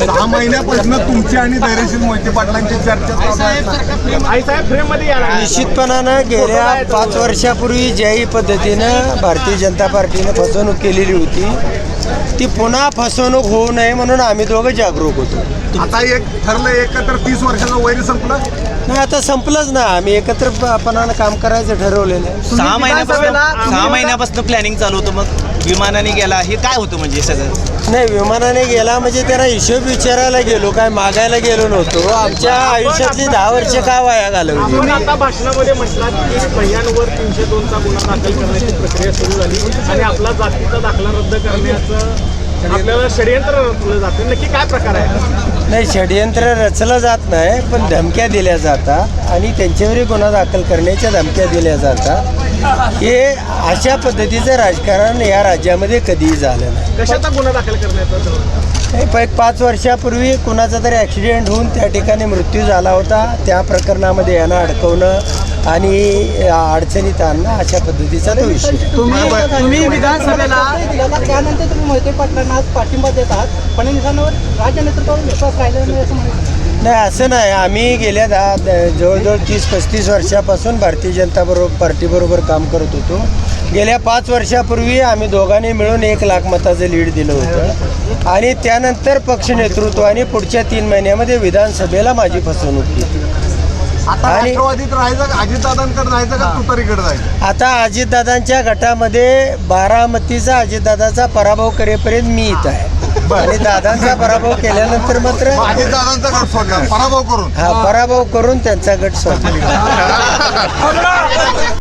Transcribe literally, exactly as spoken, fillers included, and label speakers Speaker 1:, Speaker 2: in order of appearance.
Speaker 1: सहा महिन्यापासून तुमची आणि धैर्यशील मोहिते पाटलांची चर्चा
Speaker 2: आई साहेब फ्रेम मध्ये या ना.
Speaker 3: निश्चितपणानं गेल्या पाच वर्षापूर्वी ज्याही पद्धतीनं भारतीय जनता पार्टीनं फसवणूक केलेली होती ती पुन्हा फसवणूक होऊ नये म्हणून आम्ही दोघं जागरूक होतो.
Speaker 1: आता एक ठरलं एकत्र तीस वर्षाचं वैर संपलं
Speaker 3: नाही आता संपलंच ना. आम्ही एकत्रपणानं काम करायचं ठरवलेलं आहे.
Speaker 4: सहा महिन्यापासून सहा महिन्यापासून प्लॅनिंग चालू होतं. मग विमानाने गेला हे काय होतं म्हणजे सगळं?
Speaker 3: नाही विमानाने गेला म्हणजे त्यांना हिशोब विचारायला गेलो, काय मागायला गेलो नव्हतो. आमच्या आयुष्यातली दहा वर्ष का वाया घालवली.
Speaker 2: आपण आता भाषणामध्ये म्हटलात की भैयांवर तीनशे दोनचा गुन्हा दाखल करण्याची प्रक्रिया सुरू झाली आणि आपला जातीचा दाखला रद्द करण्याचं आपल्याला षडयंत्र रचलं जाते. नक्की काय प्रकार आहे?
Speaker 3: नाही षडयंत्र रचलं जात नाही, पण धमक्या दिल्या जातात आणि त्यांच्यावरही गुन्हा दाखल करण्याच्या धमक्या दिल्या जातात. हे अशा पद्धतीचं राजकारण या राज्यामध्ये कधीही झालं नाही.
Speaker 2: कशाचा गुन्हा दाखल करण्याचा?
Speaker 3: हे प- एक पाच वर्षापूर्वी कुणाचा तरी ॲक्सिडेंट होऊन त्या ठिकाणी मृत्यू झाला होता. त्या प्रकरणामध्ये यांना अडकवणं आणि अडचणीत आणणं अशा पद्धतीचा तो विषय.
Speaker 5: तुम्ही तुम्ही विधानसभेला त्यानंतर तुम्ही मोहिते पाटलांना आज पाठिंबा देत आहात. फडणवीसांवर राज्य नेतृत्वावर विश्वास राहिलेला नाही असं म्हणायचं.
Speaker 3: नाही असं नाही. आम्ही गेल्या दहा द- जवळजवळ तीस पस्तीस वर्षापासून भारतीय जनता बरोबर पार्टीबरोबर काम करत होतो. गेल्या पाच वर्षापूर्वी आम्ही दोघांनी मिळून एक लाख मताचं लीड दिलं होतं आणि त्यानंतर पक्ष नेतृत्वाने पुढच्या तीन महिन्यामध्ये विधानसभेला माझी फसवणूक केली.
Speaker 1: आता
Speaker 3: आणि-
Speaker 1: राष्ट्रवादीत राहायचं का अजितदादांकडे जायचं का तुतारीकडे जायचं?
Speaker 3: आता अजितदादांच्या गटामध्ये बारामतीचा अजितदादाचा पराभव करेपर्यंत मी इथं आहे आणि दादांचा पराभव केल्यानंतर मात्र
Speaker 1: अजितदादांचा गट सोडला पराभव करून
Speaker 3: हा पराभव करून त्यांचा गट सोडला.